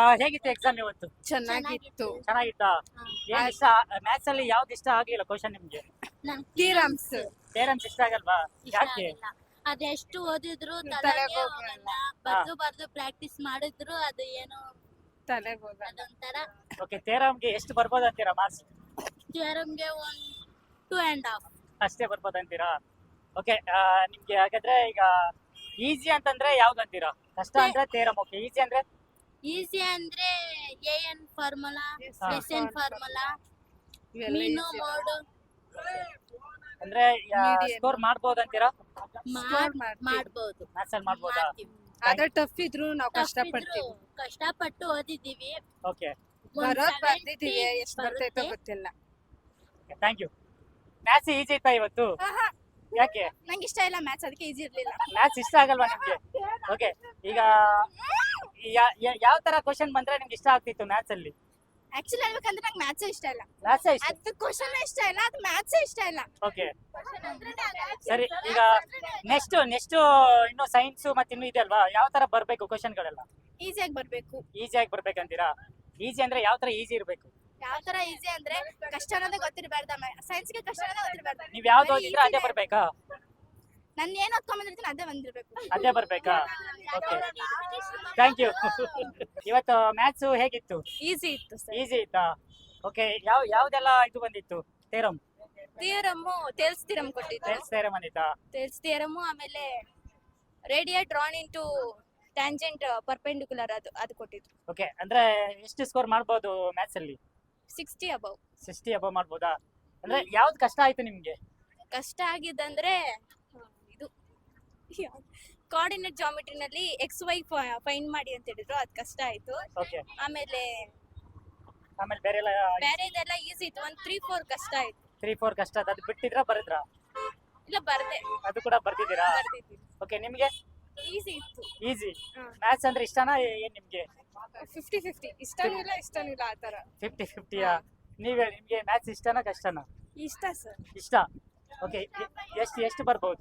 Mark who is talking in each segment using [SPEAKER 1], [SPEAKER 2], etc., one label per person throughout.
[SPEAKER 1] ಹೇಗಿತ್ತು ಎಕ್ಸಾಮ್ ಇವತ್ತು?
[SPEAKER 2] ಚೆನ್ನಾಗಿತ್ತು.
[SPEAKER 1] ಚೆನ್ನಾಗಿತ್ತಾ? ಏನ್ ಇಷ್ಟ ಮ್ಯಾಥ್ಸ್ ಅಲ್ಲಿ ಯಾವ್ದು ಇಷ್ಟ ಆಗಿಲ್ಲ ಕ್ವಶನ್ ನಿಮ್ಗೆ?
[SPEAKER 2] ಥಿಯರಮ್ಸ್
[SPEAKER 1] ಥಿಯರಮ್ಸ್ ಇಷ್ಟ ಆಗಲ್ವಾ? ಯಾಕೆ?
[SPEAKER 3] ಅದೆಷ್ಟು ಓದಿದ್ರು
[SPEAKER 2] ತಲೆಗೆ
[SPEAKER 3] ತಲೆಗೆ
[SPEAKER 2] ಹೋಗಲ್ಲ.
[SPEAKER 3] ಹೋಗಲ್ಲ. ಬರ್ದು ಪ್ರಾಕ್ಟೀಸ್ ಮಾಡಿದ್ರು ಅದು ಏನೋ
[SPEAKER 2] ತಲೆಗೆ ಹೋಗಲ್ಲ.
[SPEAKER 3] ಅದೊಂಥರ.
[SPEAKER 1] ಓಕೆ, ಥಿಯರಮ್ಗೆ ಎಷ್ಟು ಬರ್ಬೋದು ಅಂತೀರಾ ಮಾರ್ಕ್ಸ್?
[SPEAKER 3] ಥಿಯರಮ್ಗೆ 2.5
[SPEAKER 1] ಅಷ್ಟೇ ಬರ್ಬೋದು ಅಂತೀರಾ? ಓಕೆ, ನಿಮ್ಗೆ ಹಾಗಾದ್ರೆ ಈಗ ಈಸಿ ಅಂತಂದ್ರೆ ಯಾವ್ದು ಅಂತೀರಾ? ಕಷ್ಟ ಅಂದ್ರೆ ಥಿಯರಮ್. ಓಕೆ, ಈಸಿ ಅಂದ್ರೆ
[SPEAKER 3] ಈಸಿ ಅಂದ್ರೆ AN ಫಾರ್ಮುಲಾ,
[SPEAKER 1] ಹಾ.
[SPEAKER 3] SN ಫಾರ್ಮುಲಾ,
[SPEAKER 2] ಇವೆಲ್ಲ
[SPEAKER 3] ಮೀನು
[SPEAKER 2] easy.
[SPEAKER 3] ಮೋಡ್
[SPEAKER 1] ಅಂದ್ರೆ
[SPEAKER 2] Medium.
[SPEAKER 1] ಸ್ಕೋರ್ ಮಾಡ್ಬೋದು ಅಂತೀರಾ?
[SPEAKER 2] Score ಮಾಡ್ತೀವಿ.
[SPEAKER 3] ಮಾಡ್ಬೋದು.
[SPEAKER 1] ಮ್ಯಾಥ್ಸ್ ಅಲ್ಲಿ ಮಾಡ್ಬೋದಾ?
[SPEAKER 3] ಮಾಡ್ತೀವಿ.
[SPEAKER 2] ಆದ್ರೆ ಟಫ್ ಇದ್ರು ನಾವು
[SPEAKER 3] Tough
[SPEAKER 2] ಕಷ್ಟಪಡ್ತೀವಿ.
[SPEAKER 3] ಇದ್ರು ಕಷ್ಟಪಟ್ಟು ಓದಿದೀವಿ.
[SPEAKER 1] ಓಕೆ,
[SPEAKER 2] ಬರೋದ್ ಬರ್ದಿದೀವಿ, ಎಷ್ಟ್ ಬರ್ತೈತೋ
[SPEAKER 3] ಬರುತ್ತೆ.
[SPEAKER 2] ಗೊತ್ತಿಲ್ಲ.
[SPEAKER 1] Thank you. ಮ್ಯಾಥ್ಸ್ ಈಸಿ ಇತ್ತಾ ಇವತ್ತು? ಯಾಕೆ?
[SPEAKER 3] ನಂಗೆ ಇಷ್ಟ ಇಲ್ಲ ಮ್ಯಾಥ್ಸ್, ಅದಕ್ಕೆ ಈಸಿ ಇರ್ಲಿಲ್ಲ.
[SPEAKER 1] ಮ್ಯಾಥ್ಸ್ ಇಷ್ಟ ಆಗಲ್ವಾ ನಿಮ್ಗೆ? ಓಕೆ, ಈಗ ಯಾವ ತರ ಕ್ವಶನ್ ಬಂದ್ರೆ ನಿಮ್ಗೆ ಇಷ್ಟ ಆಗ್ತಿತ್ತು ಮ್ಯಾಥ್ಸ್ ಅಲ್ಲಿ?
[SPEAKER 3] ಆಕ್ಚುಲಿ ಹೇಳ್ಬೇಕಂದ್ರೆ ನಂಗೆ ಮ್ಯಾಥ್ಸ್ ಇಷ್ಟ ಇಲ್ಲ.
[SPEAKER 1] ಮ್ಯಾಥ್ಸ್ ಇಷ್ಟ.
[SPEAKER 3] ಅದು ಕ್ವಶನ್ ಇಷ್ಟ ಇಲ್ಲ, ಅದು ಮ್ಯಾಥ್ಸ್ ಇಷ್ಟ ಇಲ್ಲ.
[SPEAKER 1] ಓಕೆ, ಸರಿ. ಈಗ ನೆಕ್ಸ್ಟ್ ಇನ್ನು ಸೈನ್ಸ್ ಮತ್ತೆ ಇನ್ನು ಇದೆ ಅಲ್ವಾ? ಯಾವ ತರ ಬರ್ಬೇಕು ಕ್ವಶನ್ಗಳೆಲ್ಲ?
[SPEAKER 3] ಈಸಿಯಾಗಿ ಬರ್ಬೇಕು.
[SPEAKER 1] ಈಸಿಯಾಗಿ ಬರ್ಬೇಕಂತೀರಾ? ಈಸಿ ಅಂದ್ರೆ ಯಾವ ತರ ಈಸಿ ಇರ್ಬೇಕು?
[SPEAKER 3] ಯಾವ ತರ ಈಸಿ ಅಂದ್ರೆ ಕಷ್ಟ ಅನ್ನೋದೇ ಗೊತ್ತಿರಬಾರ್ದ. ಸೈನ್ಸ್ಗೆ ಕಷ್ಟ ಅನ್ನೋದೇ ಗೊತ್ತಿರಬಾರ್ದು.
[SPEAKER 1] ನೀವ್ ಯಾವ್ದು ಓದಿದ್ರೆ ಅದೇ ಬರ್ಬೇಕಾ?
[SPEAKER 3] ನಾನು ಏನ್ ಓದ್ಕೊಂಡ್ಬಂದಿರ್ತೀನಿ ಅದೇ ಬಂದಿರ್ಬೇಕು.
[SPEAKER 1] ಅದೇ ಬರ್ಬೇಕಾ? Okay, thank you. ಇವತ್ತು ಮ್ಯಾಥ್ಸ್ ಹೇಗಿತ್ತು?
[SPEAKER 2] ಈಸಿ ಇತ್ತು ಸರ್.
[SPEAKER 1] ಈಸಿ ಇತ್ತಾ? ಓಕೆ, ಯಾವ್ದೆಲ್ಲ ಇದು ಬಂದಿತ್ತು? ಥಿಯರಮ್
[SPEAKER 2] ಟೇಲ್ಸ್ ಥಿಯರಮ್ ಕೊಟ್ಟಿದ್ದು.
[SPEAKER 1] ಟೇಲ್ಸ್ ಥಿಯರಮ್ ಬಂದಿತ್ತಾ?
[SPEAKER 2] ಟೇಲ್ಸ್ ಥಿಯರಮ್, ಆಮೇಲೆ radius drawn into tangent perpendicular ಅದು ಕೊಟ್ಟಿದ್ದು.
[SPEAKER 1] ಓಕೆ, ಅಂದ್ರೆ ಎಷ್ಟು ಸ್ಕೋರ್ ಮಾಡ್ಬೋದು ಮ್ಯಾಥ್ಸ್ ಅಲ್ಲಿ?
[SPEAKER 2] 60 ಅಬೌವ್.
[SPEAKER 1] 60 ಅಬವ್ ಮಾಡ್ಬೋದಾ? ಅಂದ್ರೆ ಯಾವ್ದು ಕಷ್ಟ ಆಯ್ತು ನಿಮ್ಗೆ?
[SPEAKER 2] ಕಷ್ಟ ಆಗಿದ್ದಂದ್ರೆ ಇದು ಕೋಆರ್ಡಿನೇಟ್ ಜಾಮಿಟ್ರಿನಲ್ಲಿ XY ಫೈಂಡ್ ಮಾಡಿ ಅಂತ ಹೇಳಿದ್ರು, ಅದು ಕಷ್ಟ ಆಯ್ತು.
[SPEAKER 1] ಓಕೆ,
[SPEAKER 2] ಆಮೇಲೆ
[SPEAKER 1] ಬೇರೆ ಎಲ್ಲ
[SPEAKER 2] ಬೇರೆದೆಲ್ಲ ಈಸಿ ಇತ್ತು. 1, 3, 4 ಕಷ್ಟ ಆಯ್ತು.
[SPEAKER 1] 3-4 ಕಷ್ಟ ಅದು ಬಿಟ್ಟಿದ್ರಾ ಬರದ್ರಾ?
[SPEAKER 2] ಇಲ್ಲ ಬರ್ದೆ
[SPEAKER 1] ಅದು ಕೂಡ ಬರ್ದಿದ್ದೀರಾ?
[SPEAKER 2] ಬರ್ದಿದ್ದೀನಿ.
[SPEAKER 1] ಓಕೆ, ನಿಮ್ಗೆ
[SPEAKER 2] ಈಸಿ ಇತ್ತು.
[SPEAKER 1] ಈಸಿ.
[SPEAKER 2] ಹ್ಮ್.
[SPEAKER 1] ಮ್ಯಾಥ್ಸ್ ಅಂದ್ರೆ ಇಷ್ಟನಾ ಏನ್ ನಿಮ್ಗೆ?
[SPEAKER 2] 50-50 ಇಷ್ಟನೂ ಇಲ್ಲ ಆ ತರ.
[SPEAKER 1] 50-50ಯಾ? ನೀವ್ ಹೇಳಿ, ನಿಮ್ಗೆ ಮ್ಯಾಥ್ಸ್ ಇಷ್ಟನಾ ಕಷ್ಟನಾ?
[SPEAKER 2] ಇಷ್ಟ ಸರ್.
[SPEAKER 1] ಇಷ್ಟ. ಓಕೆ, ಎಷ್ಟು ಬರ್ಬೋದು?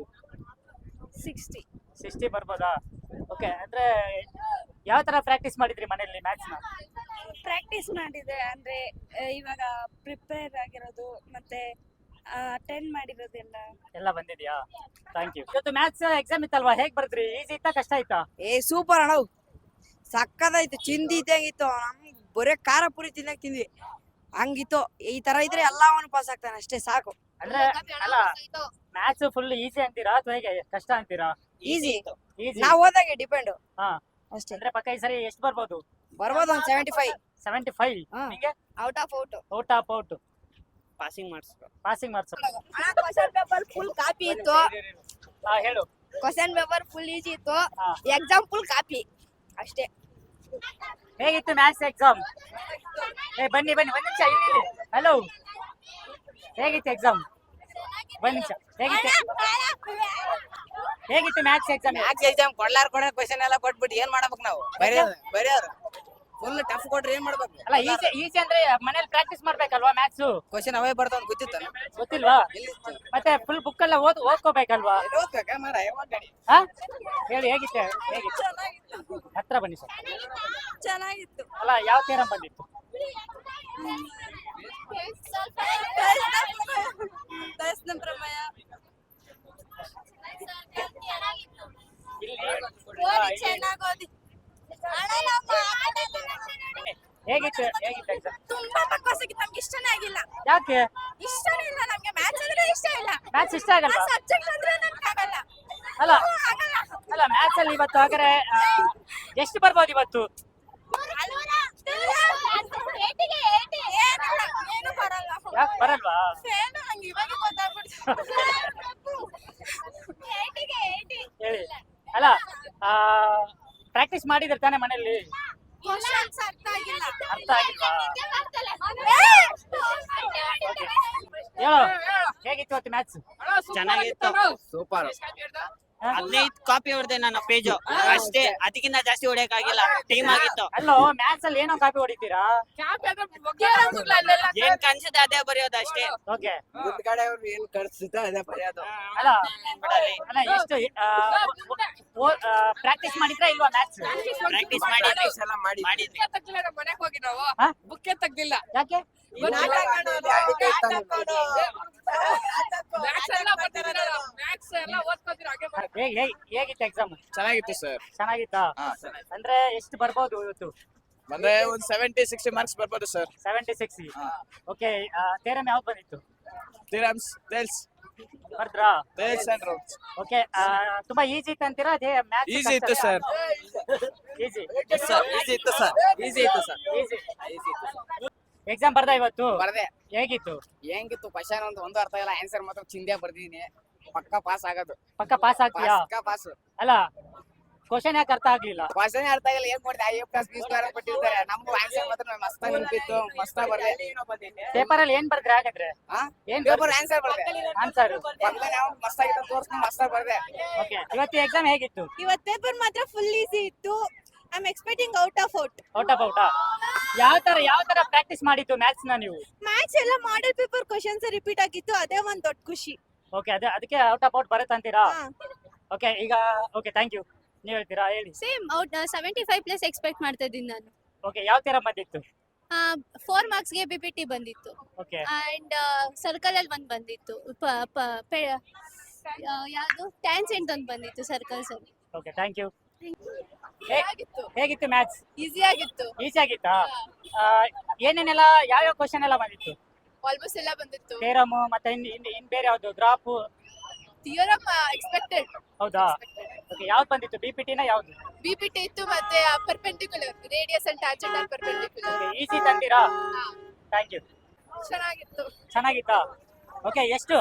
[SPEAKER 2] 60
[SPEAKER 1] ಬರ್ಬೋದಾ? ಓಕೆ, ಅಂದ್ರೆ ಯಾವ ತರ ಪ್ರಾಕ್ಟೀಸ್ ಮಾಡಿದ್ರಿ ಮನೆಯಲ್ಲಿ ಮ್ಯಾಥ್ಸ್ ನ?
[SPEAKER 2] ಪ್ರಾಕ್ಟೀಸ್ ಮಾಡಿದೆ ಅಂದ್ರೆ ಇವಾಗ ಪ್ರಿಪೇರ್ ಆಗಿರೋದು ಮತ್ತೆ ಅಟೆಂಡ್ ಮಾಡಿರೋದೆಲ್ಲ
[SPEAKER 1] ಎಲ್ಲ ಬಂದಿದ್ಯಾ? Thank you. ಇವತ್ತು ಮ್ಯಾಥ್ಸ್ ಎಕ್ಸಾಮ್ ಇತ್ತಲ್ವಾ? ಹೇಗ್ ಬರ್ದ್ರಿ? ಈಸಿ ಇತ್ತಾ ಕಷ್ಟ ಆಯ್ತಾ?
[SPEAKER 4] ಸೂಪರ್ ಅಣ್ಣ, ಸಕ್ಕದಾಯ್ತು. ಚಿಂದಿ ಇದ್ದಂಗಿತ್ತು. ನಮ್ಗೆ ಬರೇ ಖಾರ ಪುರಿ ತಿನ್ನಕ್ ತಿಂದ್ವಿ, ಹಂಗಿತ್ತು. ಈ ತರ ಇದ್ರೆ ಎಲ್ಲವನ್ನೂ ಪಾಸ್ ಆಗ್ತಾನೆ, ಅಷ್ಟೇ ಸಾಕು.
[SPEAKER 1] ಅಂದ್ರೆ ಅಲ್ಲ, ಮ್ಯಾಥ್ಸ್ ಫುಲ್ ಈಸಿ ಅಂತೀರಾ ಅಥವಾ ಹೇಗೆ ಕಷ್ಟ ಅಂತೀರಾ?
[SPEAKER 4] ಈಸಿ.
[SPEAKER 1] ಈಸಿ.
[SPEAKER 4] ನಾವ್ ಹೋದಾಗೆ ಡಿಪೆಂಡ್
[SPEAKER 1] ಹಾ,
[SPEAKER 4] ಅಷ್ಟೇ.
[SPEAKER 1] ಅಂದ್ರೆ ಪಕ್ಕ ಈ ಸರಿ ಎಷ್ಟು ಬರ್ಬೋದು?
[SPEAKER 4] ಬರ್ಬೋದು ಒಂದ್ 75.
[SPEAKER 1] 75.
[SPEAKER 4] ಹಾ.
[SPEAKER 1] ನಿಂಗೆ
[SPEAKER 4] out of out.
[SPEAKER 1] Out of out.
[SPEAKER 4] Passing marks.
[SPEAKER 1] Passing marks.
[SPEAKER 4] Question paper full copy ಇತ್ತು.
[SPEAKER 1] ಹೇಳು.
[SPEAKER 4] ಕ್ವಶನ್ ಪೇಪರ್ ಫುಲ್ ಈಸಿ ಇತ್ತು.
[SPEAKER 1] ಹಾ.
[SPEAKER 4] ಎಕ್ಸಾಮ್ ಫುಲ್ ಕಾಪಿ ಅಷ್ಟೇ.
[SPEAKER 1] ಹೇಗಿತ್ತು ಮ್ಯಾಥ್ಸ್ ಎಕ್ಸಾಮ್? ಬನ್ನಿ ಒಂದ್ ನಿಮಿಷ ಇಲ್ಲಿ. ಹಲೋ, ಹೇಗಿತ್ತು ಎಕ್ಸಾಮ್? ಒಂದ್ ನಿಮಿಷ. ಹೇಗಿತ್ತು ಮ್ಯಾಥ್ಸ್ ಎಕ್ಸಾಮ್?
[SPEAKER 4] ಎಕ್ಸಾಮ್ ಕೊಡ ಕ್ವಶನ್ ಎಲ್ಲ ಕೊಟ್ಬಿಟ್ಟು ಏನ್ ಮಾಡ್ಬೇಕು ನಾವು? ಬರೆಯೋರು ಫುಲ್ ಟಫ್ ಕೊಟ್ರೆ ಏನ್ ಮಾಡ್ಬೇಕು?
[SPEAKER 1] ಅಲ್ಲ, ಈಸಿ ಅಂದ್ರೆ ಮನೇಲಿ ಪ್ರಾಕ್ಟೀಸ್ ಮಾಡ್ಬೇಕಲ್ವಾ ಮ್ಯಾಥ್ಸ್?
[SPEAKER 4] ಕ್ವಶನ್ ಅವೇ ಬರ್ತಾವ ಗೊತ್ತಿತ್ತ?
[SPEAKER 1] ಗೊತ್ತಿಲ್ವಾ? ಮತ್ತೆ ಫುಲ್ ಬುಕ್ ಎಲ್ಲ ಓದ್ಕೋಬೇಕಲ್ವಾ? ಹಾ, ಹೇಳಿ ಹೇಗಿತ್ತು? ಹತ್ರ ಬನ್ನಿ ಸರ್.
[SPEAKER 2] ಚೆನ್ನಾಗಿತ್ತು.
[SPEAKER 1] ಅಲ್ಲ, ಯಾವ ಥಿಯರಮ್ ಬಂದಿತ್ತು?
[SPEAKER 2] ಪ್ರಮೇಯ.
[SPEAKER 1] ಹೇಗಿತ್ತು ಎಕ್ಸಾಮ್?
[SPEAKER 3] ತುಂಬಾ ಪಕ್ವಾಸಾಗಿತ್ತು. ನಮ್ಗೆ ಇಷ್ಟನೇ ಆಗಿಲ್ಲ.
[SPEAKER 1] ಯಾಕೆ?
[SPEAKER 3] ಇಷ್ಟನೇ ಇಲ್ಲ ನಮ್ಗೆ. ಮ್ಯಾಥ್ಸ್ ಅಂದ್ರೆ ಇಷ್ಟ ಇಲ್ಲ.
[SPEAKER 1] ಮ್ಯಾಥ್ಸ್ ಇಷ್ಟ ಆಗಲ್ವಾ?
[SPEAKER 3] ಸಬ್ಜೆಕ್ಟ್ ಅಂದ್ರೆ ನಮ್ಗೆ ಆಗಲ್ಲ.
[SPEAKER 1] ಅಲ್ಲ ಮ್ಯಾಥ್ಸ್ ಅಲ್ಲಿ ಇವತ್ತು ಹಾಗಾದ್ರೆ ಎಷ್ಟು ಬರ್ಬೋದು ಇವತ್ತು?
[SPEAKER 3] ಏನು ಬರಲ್ಲ.
[SPEAKER 1] ಯಾಕೆ ಬರಲ್ವಾ?
[SPEAKER 3] ಏನು ನಂಗೆ ಇವಾಗ ಗೊತ್ತಾಗ್ಬಿಡ್ತು.
[SPEAKER 1] ಹೇಳಿ. ಅಲ್ಲ, ಪ್ರಾಕ್ಟೀಸ್ ಮಾಡಿದ್ರೆ ತಾನೇ ಮನೆಯಲ್ಲಿ?
[SPEAKER 3] ಕ್ವಶನ್ಸ್ ಅರ್ಥ ಆಗಿಲ್ಲ.
[SPEAKER 1] ಅರ್ಥ ಆಗಿಲ್ವಾ? ಹೇಳು, ಹೇಗಿತ್ತು ಇವತ್ತು ಮ್ಯಾಥ್ಸ್?
[SPEAKER 4] ಚೆನ್ನಾಗಿತ್ತು. ಸೂಪರ್.
[SPEAKER 5] 15 ಕಾಪಿ ಹೊಡೆದೆ ನನ್ನ ಪೇಜ್ ಅಷ್ಟೇ, ಅದಕ್ಕಿಂತ ಜಾಸ್ತಿ ಹೊಡೆಯಕ್ ಆಗಿಲ್ಲ, ಟೈಮ್ ಆಗಿತ್ತು.
[SPEAKER 1] ಅಲ್ಲೋ ಮ್ಯಾಥ್ಸ್ ಅಲ್ಲಿ ಏನೋ ಕಾಪಿ ಹೊಡಿತೀರಾ?
[SPEAKER 5] ಏನ್ ಕಾಣಿಸುತ್ತೆ ಅದೇ ಬರೆಯೋದು ಅಷ್ಟೇ.
[SPEAKER 1] ಓಕೆ
[SPEAKER 6] ಮುಂದ್ಗಡೆ ಅವ್ರು ಏನ್ ಕಳ್ಸುತ್ತೆ ಅದೇ ಬರೆಯೋದು.
[SPEAKER 1] ಅಲ್ಲ ಅಲ್ಲ ಎಷ್ಟು ಪ್ರಾಕ್ಟೀಸ್ ಮಾಡಿದ್ರಾ ಇಲ್ವಾ ಮ್ಯಾಥ್ಸ್?
[SPEAKER 5] ಪ್ರಾಕ್ಟೀಸ್ ಮಾಡಿ
[SPEAKER 6] ಎಲ್ಲ ಮಾಡಿ
[SPEAKER 5] ಮಾಡಿದ್ವಿ.
[SPEAKER 7] ಮನೆಗೆ ಹೋಗಿ ನಾವು
[SPEAKER 1] ಹಾ?
[SPEAKER 7] ಬುಕ್ಕೆ ತೆಗ್ದಿಲ್ಲ.
[SPEAKER 1] ಯಾಕೆ?
[SPEAKER 7] ಮ್ಯಾಥ್ಸ್ ಎಲ್ಲ ಬರ್ತಿದ್ದೀರ, ಮ್ಯಾಥ್ಸ್ ಎಲ್ಲ ಓದ್ಕೊತೀರ, ಹಾಗೆ ಮಾಡಿ.
[SPEAKER 1] ಹೇಗಿತ್ತು ಎಕ್ಸಾಮ್?
[SPEAKER 6] ಚೆನ್ನಾಗಿತ್ತು ಸರ್.
[SPEAKER 1] ಚೆನ್ನಾಗಿತ್ತಾ? ಅಂದ್ರೆ ಎಷ್ಟು ಬರ್ಬೋದು ಇವತ್ತು?
[SPEAKER 6] ಅಂದ್ರೆ ಒಂದ್ 70-60 ಮಾರ್ಕ್ಸ್ ಬರ್ಬೋದು ಸರ್.
[SPEAKER 1] 76. ಓಕೆ ಥಿಯರಮ್ ಯಾವ್ದು ಬಂದಿತ್ತು?
[SPEAKER 6] ಥಿಯರಮ್ಸ್ ಟೇಲ್ಸ್
[SPEAKER 1] ಬರ್ದ್ರಾ?
[SPEAKER 6] And roots.
[SPEAKER 1] ಓಕೆ ತುಂಬಾ ಈಸಿ ಇತ್ತು ಅಂತೀರಾ? ಅದೇ ಮ್ಯಾಥ್ಸ್
[SPEAKER 6] ಈಸಿ ಇತ್ತು ಸರ್.
[SPEAKER 1] ಈಸಿ
[SPEAKER 6] ಈಸಿ ಇತ್ತು ಸರ್. ಈಸಿ ಇತ್ತು ಸರ್.
[SPEAKER 1] ಈಸಿ ಎಕ್ಸಾಮ್ ಬರ್ದಾ ಇವತ್ತು?
[SPEAKER 8] ಬರ್ದೆ.
[SPEAKER 1] ಹೇಗಿತ್ತು?
[SPEAKER 8] ಹೆಂಗಿತ್ತು ಕ್ವಶನ್ ಒಂದು ಅರ್ಥ ಇಲ್ಲ, ಆನ್ಸರ್ ಮಾತ್ರ ಚಿಂದೆ ಬರ್ದಿದ್ದೀನಿ. ಪಕ್ಕ ಪಾಸ್ ಆಗೋದು.
[SPEAKER 1] ಪಕ್ಕ ಪಾಸ್ ಆಗ್ತೀಯಾ?
[SPEAKER 8] ಪಕ್ಕ ಪಾಸ್.
[SPEAKER 1] ಅಲ್ಲ ಕ್ವಶನ್ ಯಾಕೆ ಅರ್ಥ ಆಗ್ಲಿಲ್ಲ?
[SPEAKER 8] ಕ್ವಶನ್ ಅರ್ಥ ಆಗಿಲ್ಲ, ಏನ್ ಮಾಡಿದೆ A+B² ಕೊಟ್ಟಿರ್ತಾರೆ, ನಮ್ಮ ಆನ್ಸರ್ ಮಾತ್ರ ಮಸ್ತಾಗಿ ನೆನಪಿತ್ತು, ಮಸ್ತಾಗಿ ಬರ್ದೆ.
[SPEAKER 1] ಪೇಪರ್ ಅಲ್ಲಿ ಏನ್ ಬರ್ದ್ರಿ ಹಾಗಾದ್ರೆ? ಏನ್
[SPEAKER 8] ಪೇಪರ್ ಆನ್ಸರ್ ಬರ್ದೆ.
[SPEAKER 1] ಆನ್ಸರ್
[SPEAKER 8] ಪಕ್ಕದಲ್ಲಿ ನಾವು ಮಸ್ತಾಗಿತ್ತು ತೋರಿಸ್ಕೊಂಡು ಮಸ್ತಾಗಿ ಬರ್ದೆ.
[SPEAKER 1] ಓಕೆ ಇವತ್ತು ಎಕ್ಸಾಮ್ ಹೇಗಿತ್ತು?
[SPEAKER 3] ಇವತ್ ಪೇಪರ್ ಮಾತ್ರ ಫುಲ್ ಈಸಿ ಇತ್ತು. I am expecting out of out.
[SPEAKER 1] ಯಾವ ತರ ಪ್ರಾಕ್ಟೀಸ್ ಮಾಡಿತ್ತು ಮ್ಯಾಥ್ಸ್ ನ ನೀವು?
[SPEAKER 3] ಮ್ಯಾಥ್ಸ್ ಎಲ್ಲ ಮಾಡೆಲ್ ಪೇಪರ್ ಕ್ವಶನ್ಸ್ ರಿಪೀಟ್ ಆಗಿತ್ತು, ಅದೇ ಒಂದ್ ದೊಡ್ಡ ಖುಷಿ.
[SPEAKER 1] ಓಕೆ ಅದಕ್ಕೆ ಔಟ್ ಆಫ್ ಔಟ್ ಬರುತ್ತೆ ಅಂತೀರಾ? ಓಕೆ ಈಗ ಓಕೆ ಥ್ಯಾಂಕ್ ಯು. ನೀವ್ ಹೇಳ್ತೀರಾ? ಹೇಳಿ.
[SPEAKER 2] ಸೇಮ್ ಔಟ್ 75+ ಎಕ್ಸ್ಪೆಕ್ಟ್ ಮಾಡ್ತಾ ಇದ್ದೀನಿ ನಾನು.
[SPEAKER 1] ಓಕೆ ಯಾವ ತರ ಬಂದಿತ್ತು?
[SPEAKER 2] 4 ಮಾರ್ಕ್ಸ್ಗೆ BPT ಬಂದಿತ್ತು
[SPEAKER 1] ಓಕೆ
[SPEAKER 2] ಅಂಡ್ ಸರ್ಕಲ್ ಅಲ್ಲಿ ಒಂದ್ ಬಂದಿತ್ತು, ಯಾವುದು ಟ್ಯಾನ್ಸೆಂಟ್ ಒಂದು ಬಂದಿತ್ತು ಸರ್ಕಲ್ಸ್ ಅಲ್ಲಿ.
[SPEAKER 1] Okay thank you. ಹೇಗಿತ್ತು ಮ್ಯಾಥ್ಸ್?
[SPEAKER 3] ಈಸಿ ಆಗಿತ್ತು.
[SPEAKER 1] ಈಸಿ ಆಗಿತ್ತಾ? ಏನೇನೆಲ್ಲ ಯಾವ್ಯಾವ ಕ್ವಶನ್ ಎಲ್ಲ ಬಂದಿತ್ತು?
[SPEAKER 3] ಆಲ್ಮೋಸ್ಟ್ ಎಲ್ಲ ಬಂದಿತ್ತು.
[SPEAKER 1] ಥಿಯರಮ್ ಮತ್ತೆ ಇನ್ ಬೇರೆ ಯಾವ್ದು ಗ್ರಾಫ್?
[SPEAKER 3] Theorem expected.
[SPEAKER 1] ಹೌದಾ? ಓಕೆ ಯಾವ್ದು ಬಂದಿತ್ತು? BPT ನ ಯಾವ್ದು?
[SPEAKER 3] BPT ಇತ್ತು, ಮತ್ತೆ perpendicular radius and tangent and perpendicular.
[SPEAKER 1] Easy ತಂದಿರಾ? Thank you.
[SPEAKER 3] ಚೆನ್ನಾಗಿತ್ತು.
[SPEAKER 1] ಚೆನ್ನಾಗಿತ್ತಾ? ಓಕೆ ಎಷ್ಟು?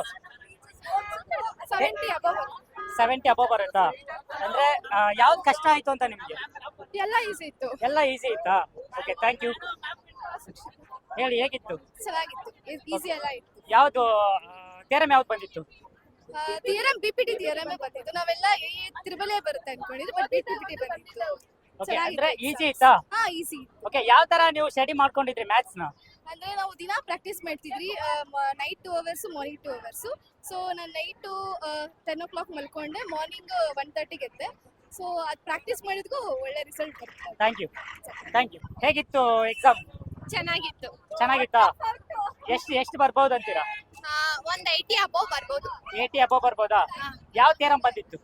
[SPEAKER 3] 70 above.
[SPEAKER 1] 70 ಅಬೋ ಬರುತ್ತಾ? ಅಂದ್ರೆ ಯಾವ್ದು ಕಷ್ಟ ಆಯ್ತು ಅಂತ ನಿಮ್ಗೆ?
[SPEAKER 3] ಎಲ್ಲ ಈಸಿ ಇತ್ತು.
[SPEAKER 1] ಎಲ್ಲ ಈಸಿ ಇತ್ತಾ? Okay thank you. ಹೇಳಿ ಹೇಗಿತ್ತು?
[SPEAKER 3] ಚೆನ್ನಾಗಿತ್ತು, ಈಸಿ ಎಲ್ಲ ಇತ್ತು.
[SPEAKER 1] ಯಾವ್ದು ಥಿಯರಮ್ ಯಾವ್ದು ಬಂದಿತ್ತು?
[SPEAKER 3] ಥಿಯರಮ್ BPT ಥಿಯರಮ್ ಬಂದಿತ್ತು. ನಾವೆಲ್ಲ ತ್ರಿಬಲ್ ಬರುತ್ತೆ ಅನ್ಕೊಂಡಿದ್ವಿ, ಬಟ್ BPT ಬಂದಿತ್ತು.
[SPEAKER 1] ಓಕೆ ಅಂದ್ರೆ ಈಸಿ ಇತ್ತಾ?
[SPEAKER 3] ಹಾ ಈಸಿ.
[SPEAKER 1] ಓಕೆ ಯಾವ ತರ ನೀವು ಸ್ಟಡಿ ಮಾಡ್ಕೊಂಡಿದ್ರಿ ಮ್ಯಾಥ್ಸ್ ನ?
[SPEAKER 3] ಅಂದ್ರೆ ನಾವು ದಿನ ಪ್ರಾಕ್ಟೀಸ್ ಮಾಡ್ತಿದ್ವಿ, night 2 hours morning 2 hours. So ನಾನು ನೈಟು 10 o'clock ಮಲ್ಕೊಂಡೆ, ಮಾರ್ನಿಂಗ್ 1:30 ಎದ್ದೆ. ಸೊ ಅದು ಪ್ರಾಕ್ಟೀಸ್ ಮಾಡಿದ್ಗೂ ಒಳ್ಳೆ ರಿಸಲ್ಟ್ ಬರುತ್ತೆ.
[SPEAKER 1] Thank you. ಹೇಗಿತ್ತು ಎಕ್ಸಾಮ್?
[SPEAKER 3] ಚೆನ್ನಾಗಿತ್ತು.
[SPEAKER 1] ಚೆನ್ನಾಗಿತ್ತಾ? ಎಷ್ಟು ಬರ್ಬೋದು ಅಂತೀರಾ?
[SPEAKER 3] ಒಂದ್ 80 above ಬರ್ಬೋದು.
[SPEAKER 1] 80 ಅಬೋ ಬರ್ಬೋದಾ? ಯಾವ ಥಿಯರಮ್ ಬಂದಿತ್ತು?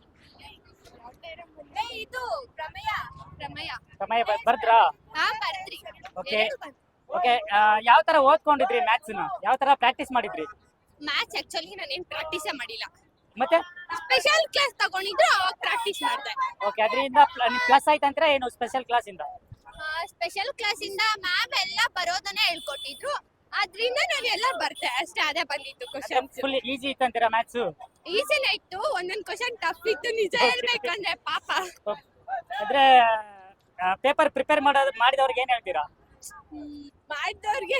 [SPEAKER 3] ಇದು ಪ್ರಮೇಯ.
[SPEAKER 1] ಸಮಯ ಬರ್ದ್ರಾ?
[SPEAKER 3] ಹಾ ಬರ್ದ್ರಿ.
[SPEAKER 1] ಓಕೆ ಓಕೆ ಯಾವ ತರ ಓದ್ಕೊಂಡಿದ್ರಿ ಮ್ಯಾಥ್ಸ್ ನ? ಯಾವ ತರ ಪ್ರಾಕ್ಟೀಸ್ ಮಾಡಿದ್ರಿ?
[SPEAKER 2] ಮ್ಯಾಥ್ಸ್ ಆಕ್ಚುಲಿ ನಾನೇನ್ ಪ್ರಾಕ್ಟೀಸೇ ಮಾಡಿಲ್ಲ,
[SPEAKER 1] ಮತ್ತೆ
[SPEAKER 2] ಸ್ಪೆಷಲ್ ಕ್ಲಾಸ್ ತಗೊಂಡಿದ್ರು ಅವಾಗ ಪ್ರಾಕ್ಟೀಸ್ ಮಾಡ್ದೆ.
[SPEAKER 1] ಓಕೆ ಅದರಿಂದ ಪ್ಲಸ್ ಆಯ್ತಂದ್ರೆ ಏನು ಸ್ಪೆಷಲ್ ಕ್ಲಾಸ್ ಇಂದ?
[SPEAKER 2] ಸ್ಪೆಷಲ್ ಕ್ಲಾಸ್ ಇಂದ ಮ್ಯಾಮ್ ಎಲ್ಲ ಬರೋದನ್ನೇ ಹೇಳ್ಕೊಟ್ಟಿದ್ರು, ಅದ್ರಿಂದ ನಾನು ಎಲ್ಲ ಬರ್ತೆ ಅಷ್ಟೇ, ಅದೇ ಬಂದಿತ್ತು ಕ್ವಶನ್ಸ್.
[SPEAKER 1] ಫುಲ್ ಈಸಿ ಇತ್ತಂತೀರಾ ಮ್ಯಾಥ್ಸ್?
[SPEAKER 2] ಈಸಿನೇ ಇತ್ತು, ಒಂದೊಂದ್ ಕ್ವಶನ್ ಟಫ್ ಇತ್ತು ನಿಜ ಹೇಳ್ಬೇಕಂದ್ರೆ ಪಾಪ.
[SPEAKER 1] ಅಂದ್ರೆ ಪೇಪರ್ ಪ್ರಿಪೇರ್ ಮಾಡಿದವ್ರಿಗೆ ಏನ್ ಹೇಳ್ತೀರಾ?
[SPEAKER 2] ಮಾಡಿದವ್ರಿಗೆ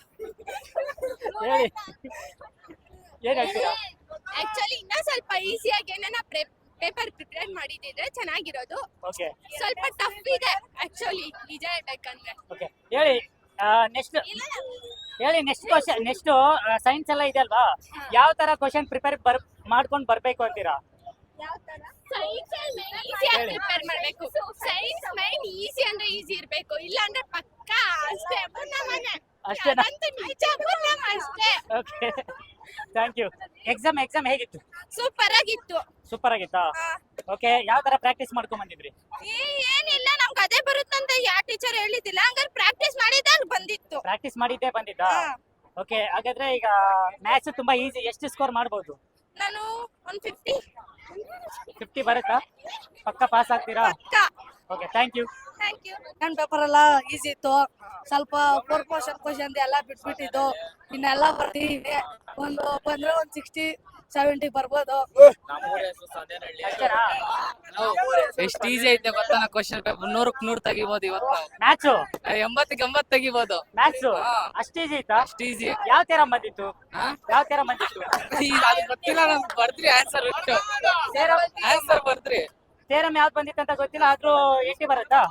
[SPEAKER 1] ಹೇಳಿ ಏನ್ ಹೇಳ್ತೀರಾ?
[SPEAKER 2] ಆಕ್ಚುಲಿ ಇನ್ನ ಸ್ವಲ್ಪ ಈಸಿಯಾಗಿ ಏನಾನ ಪೇಪರ್ ಪ್ರಿಪೇರ್ ಮಾಡಿದ್ರೆ ಚೆನ್ನಾಗಿರೋದು.
[SPEAKER 1] ಓಕೆ
[SPEAKER 2] ಸ್ವಲ್ಪ ಟಫ್ ಇದೆ ಆಕ್ಚುಲಿ ನಿಜ ಹೇಳ್ಬೇಕಂದ್ರೆ.
[SPEAKER 1] ಓಕೆ ಹೇಳಿ ನೆಕ್ಸ್ಟ್ ಕ್ವಶನ್. ನೆಕ್ಸ್ಟ್ ಸೈನ್ಸ್ ಎಲ್ಲ ಇದೆ ಅಲ್ವಾ, ಯಾವ ತರ ಕ್ವಶನ್ ಪ್ರಿಪೇರ್ ಮಾಡ್ಕೊಂಡು ಬರ್ಬೇಕು ಅಂತೀರಾ?
[SPEAKER 2] ಸೈನ್ಸ್ ಈಸಿಯಾಗಿ ಪ್ರಿಪೇರ್ ಮಾಡ್ಬೇಕು. ಸೈನ್ಸ್ ಮೈನ್ ಈಸಿ ಅಂದ್ರೆ ಈಸಿ ಇರ್ಬೇಕು, ಇಲ್ಲ ಅಂದ್ರೆ ಪಕ್ಕ ಅಷ್ಟೇ
[SPEAKER 1] ಅಷ್ಟೇನಾ?
[SPEAKER 2] ನಿಜ ಅಷ್ಟೇ.
[SPEAKER 1] Okay thank you. ಎಕ್ಸಾಮ್ ಹೇಗಿತ್ತು?
[SPEAKER 2] ಸೂಪರ್ ಆಗಿತ್ತು.
[SPEAKER 1] ಸೂಪರ್ ಆಗಿತ್ತಾ? ಓಕೆ ಯಾವ ತರ ಪ್ರಾಕ್ಟೀಸ್ ಮಾಡ್ಕೊಂಡ್ ಬಂದಿದ್ರಿ?
[SPEAKER 2] ಏನಿಲ್ಲ ನಮ್ಗೆ ಅದೇ ಬರುತ್ತಂತ ಯಾವ ಟೀಚರ್ ಹೇಳಿದಿಲ್ಲ, ಹಂಗಾರೆ ಪ್ರಾಕ್ಟೀಸ್ ಮಾಡಿದ್ದೆ ಬಂದಿತ್ತು.
[SPEAKER 1] ಪ್ರಾಕ್ಟೀಸ್ ಮಾಡಿದ್ದೇ ಬಂದಿದ್ದಾ? ಓಕೆ ಹಾಗಾದ್ರೆ ಈಗ ಮ್ಯಾಥ್ಸ್ ತುಂಬಾ ಈಸಿ, ಎಷ್ಟು ಸ್ಕೋರ್ ಮಾಡ್ಬೋದು?
[SPEAKER 2] ನಾನು 150
[SPEAKER 1] 50 ಬರುತ್ತಾ? ಪಕ್ಕ ಪಾಸ್ ಆಗ್ತೀರಾ?
[SPEAKER 2] ಪಕ್ಕ.
[SPEAKER 1] Okay thank you.
[SPEAKER 2] Thank you.
[SPEAKER 4] Second paper ಎಲ್ಲ ಈಸಿ ಇತ್ತು, ಸ್ವಲ್ಪ 4 ಕ್ವಶನ್ ಎಲ್ಲ ಬಿಟ್ಬಿಟ್ಟಿದ್ದು, ಇನ್ನೆಲ್ಲ ಬರ್ತಿದೆ. ಒಂದು ಬಂದ್ರೆ ಒಂದು 60-70 ಬರ್ಬೋದು.
[SPEAKER 1] ಅಷ್ಟೇನಾ?
[SPEAKER 7] ಎಷ್ಟು ಈಸಿ ಐತೆ ಗೊತ್ತಾ ಕ್ವಶನ್ ಪೇಪರ್ 100ಕ್ಕೆ 100 ತೆಗಿಬೋದು ಇವತ್ತು.
[SPEAKER 1] ಮ್ಯಾಥ್ಸು
[SPEAKER 7] 80ಕ್ಕೆ 80 ತೆಗಿಬೋದು.
[SPEAKER 1] ಮ್ಯಾಥ್ಸು ಅಷ್ಟು ಈಸಿ ಇತ್ತಾ?
[SPEAKER 7] ಅಷ್ಟು ಈಸಿ.
[SPEAKER 1] ಯಾವ ತರ ಬಂದಿತ್ತು? ಯಾವ ತರ ಬಂದಿತ್ತು?
[SPEAKER 7] ಅದು ಗೊತ್ತಿಲ್ಲ ನಮ್ಗೆ, ಬರ್ದ್ರಿ ಆನ್ಸರ್ ಇಟ್ಟು
[SPEAKER 1] ತೇರಮ್
[SPEAKER 7] ಆನ್ಸರ್ ಬರ್ದ್ರಿ.
[SPEAKER 1] ತೇರಮ್ ಯಾವ್ದು ಬಂದಿತ್ತು ಅಂತ ಗೊತ್ತಿಲ್ಲ, ಆದ್ರೂ 80 ಬರುತ್ತಾ?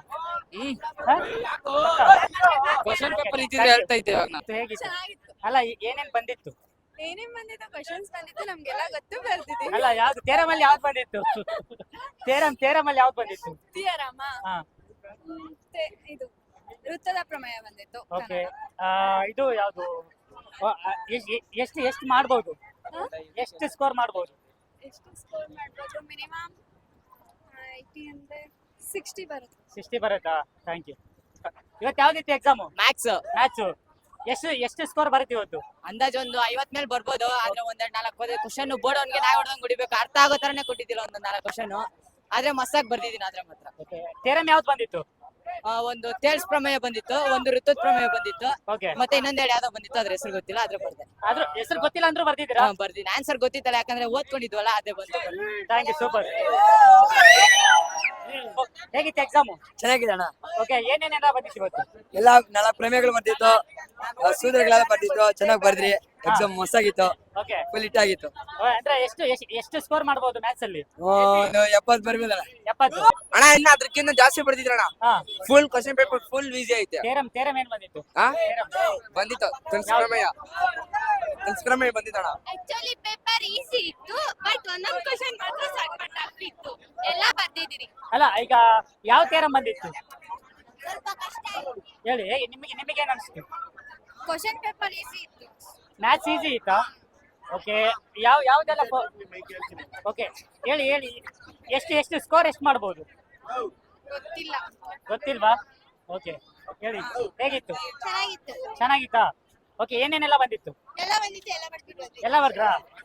[SPEAKER 7] ಕ್ವಶನ್ ಪೇಪರ್ ಇದ್ದಿದ್ರೆ ಹೇಳ್ತಾ ಇದ್ದೆ ಇವಾಗ ನಾನು.
[SPEAKER 1] ಹೇಗಿತ್ತು?
[SPEAKER 3] ಚೆನ್ನಾಗಿತ್ತು.
[SPEAKER 1] ಅಲ್ಲ ಏನೇನ್ ಬಂದಿತ್ತು?
[SPEAKER 3] ಏನೇನ್ ಬಂದಿತ್ತು ಕ್ವಶನ್ಸ್ ಬಂದಿತ್ತು ನಮ್ಗೆಲ್ಲ ಗೊತ್ತು, ಬರ್ತಿದ್ದೀವಿ.
[SPEAKER 1] ಅಲ್ಲ ಯಾವ್ದು ತೇರಮ್ ಅಲ್ಲಿ ಯಾವ್ದು ಬಂದಿತ್ತು? ತೇರಮ್ ಅಲ್ಲಿ ಯಾವ್ದು ಬಂದಿತ್ತು?
[SPEAKER 3] ತಿಯರಮ್ಮ
[SPEAKER 1] ಹಾ
[SPEAKER 3] ಇದು ವೃತ್ತದ ಪ್ರಮೇಯ ಬಂದಿತ್ತು.
[SPEAKER 1] ಓಕೆ. ಇದು ಯಾವ್ದು? ಎಷ್ಟು ಮಾಡ್ಬೋದು? ಎಷ್ಟು ಸ್ಕೋರ್ ಮಾಡ್ಬೋದು?
[SPEAKER 3] ಎಷ್ಟು ಸ್ಕೋರ್ ಮಾಡ್ಬೋದು? ಮಿನಿಮಮ್ 80 ಅಂದ್ರೆ 60 ಬರುತ್ತೆ.
[SPEAKER 1] 60 ಬರುತ್ತಾ? Thank you. ಇವತ್ತು ಯಾವ್ದಿತ್ತು ಎಕ್ಸಾಮು?
[SPEAKER 5] Max
[SPEAKER 1] maths. ಎಷ್ಟು ಸ್ಕೋರ್ ಬರುತ್ತೆ ಇವತ್ತು?
[SPEAKER 5] ಅಂದಾಜ್ ಒಂದು 50 ಮೇಲೆ ಬರ್ಬೋದು. ಆದ್ರೆ ಒಂದ್ 4 ಕ್ವಶನ್ ಬೋರ್ಡ್ ಅವ್ನಿಗೆ ನಾಯಿ ಹೊಡೆದಂಗ್ ಕುಡಿಬೇಕು, ಅರ್ಥ ಆಗೋ ತರನೇ ಕೊಟ್ಟಿದ್ದಿಲ್ಲ ಒಂದ್ 4 ಕ್ವಶನ್. ಆದ್ರೆ ಮಸ್ತಾಗಿ ಬರ್ದಿದ್ದೀನಿ ಅದ್ರ ಮಾತ್ರ.
[SPEAKER 1] ಓಕೆ. ತೇರಮ್ ಯಾವ್ದು ಬಂದಿತ್ತು?
[SPEAKER 5] ಒಂದು ತೇಲ್ಸ್ ಪ್ರಮೇಯ ಬಂದಿತ್ತು, ಒಂದು ಋತುತ್ ಪ್ರಮೇಯ ಬಂದಿತ್ತು,
[SPEAKER 1] ಓಕೆ.
[SPEAKER 5] ಮತ್ತೆ ಇನ್ನೊಂದೆರಡು ಯಾವ್ದೋ ಬಂದಿತ್ತು, ಅದ್ರ ಹೆಸರು ಗೊತ್ತಿಲ್ಲ, ಆದ್ರೆ ಬರ್ದೆ.
[SPEAKER 1] ಆದ್ರೂ ಹೆಸರು ಗೊತ್ತಿಲ್ಲ ಅಂದ್ರೂ ಬರ್ದಿದ್ದೀರಾ?
[SPEAKER 5] ಬರ್ದಿನಿ. ಆನ್ಸರ್ ಗೊತ್ತಿತ್ತಲ್ಲ, ಯಾಕಂದ್ರೆ ಓದ್ಕೊಂಡಿದ್ವಲ್ಲ, ಅದೇ ಬಂತು.
[SPEAKER 1] Thank you, super. ಹೇಗಿತ್ತು ಎಕ್ಸಾಮು?
[SPEAKER 4] ಚೆನ್ನಾಗಿದೆ ಅಣ್ಣ.
[SPEAKER 1] ಓಕೆ. ಏನೇನೆಲ್ಲ ಬಂದಿತ್ತು ಇವತ್ತು?
[SPEAKER 4] ಎಲ್ಲ 4 ಪ್ರಮೇಯಗಳು ಬರ್ತಿತ್ತು, ಸೂತ್ರಗಳೆಲ್ಲ ಬರ್ತಿತ್ತು, ಚೆನ್ನಾಗಿ ಬರ್ದ್ರಿ. ಎಕ್ಸಾಮ್ ಮಸ್ತಾಗಿತ್ತು,
[SPEAKER 1] ಓಕೆ.
[SPEAKER 4] ಫುಲ್ ಹಿಟ್ ಆಗಿತ್ತು.
[SPEAKER 1] ಅಂದ್ರೆ ಎಷ್ಟು ಸ್ಕೋರ್ ಮಾಡ್ಬೋದು ಮ್ಯಾಥ್ಸ್ ಅಲ್ಲಿ?
[SPEAKER 4] ಒಂದು 70 ಬರ್ಬೋದಣ್ಣ.
[SPEAKER 1] 70.
[SPEAKER 8] ಅಣ್ಣ ಇನ್ನ ಅದಕ್ಕಿಂತ ಜಾಸ್ತಿ ಬರ್ತಿದ್ರಣ್ಣ.
[SPEAKER 1] ಹಾ.
[SPEAKER 8] Full question paper full easy ಐತೆ.
[SPEAKER 1] ತೇರಮ್ ಏನ್ ಬಂದಿತ್ತು?
[SPEAKER 8] ಬಂದಿತ್ತು ಪ್ರಮೇಯ ಬಂದಿತ್ತಣ್ಣ.
[SPEAKER 2] ಆಕ್ಚುಲಿ ಪೇಪರ್ ಈಸಿ ಇತ್ತು, ಬಟ್ ಒಂದೊಂದು ಕ್ವಶನ್ ಮಾತ್ರ ಸಕ್ಕತ್ತಾಗಿತ್ತು. ಎಲ್ಲ ಬರ್ದಿದ್ದೀರಿ.
[SPEAKER 1] ಅಲ್ಲ ಈಗ ಯಾವ ತೇರಮ್ ಬಂದಿತ್ತು
[SPEAKER 2] ಸ್ವಲ್ಪ ಕಷ್ಟ ಆಯ್ತು.
[SPEAKER 1] ಹೇಳಿ. ನಿಮಗೆ ಏನ್ ಅನ್ಸುತ್ತೆ?
[SPEAKER 3] ಕ್ವಶನ್ ಪೇಪರ್ ಈಸಿ ಇತ್ತು.
[SPEAKER 1] ಮ್ಯಾಥ್ಸ್ ಈಸಿ ಇತ್ತಾ? ಓಕೆ. ಯಾವ್ದೆಲ್ಲ ಓಕೆ. ಹೇಳಿ ಎಷ್ಟು ಸ್ಕೋರ್ ಎಷ್ಟು ಮಾಡ್ಬೋದು?
[SPEAKER 3] ಗೊತ್ತಿಲ್ಲ.
[SPEAKER 1] ಗೊತ್ತಿಲ್ವಾ? ಓಕೆ. ಹೇಳಿ ಹೇಗಿತ್ತು?
[SPEAKER 2] ಚೆನ್ನಾಗಿತ್ತು.
[SPEAKER 1] ಚೆನ್ನಾಗಿತ್ತಾ? ಓಕೆ. ಏನೇನೆಲ್ಲ ಬಂದಿತ್ತು?
[SPEAKER 2] ಎಲ್ಲ ಬಂದಿತ್ತು, ಎಲ್ಲ ಬರ್ತಿರೋದು.
[SPEAKER 1] ಎಲ್ಲ ಬರ್ದ್ರಾ?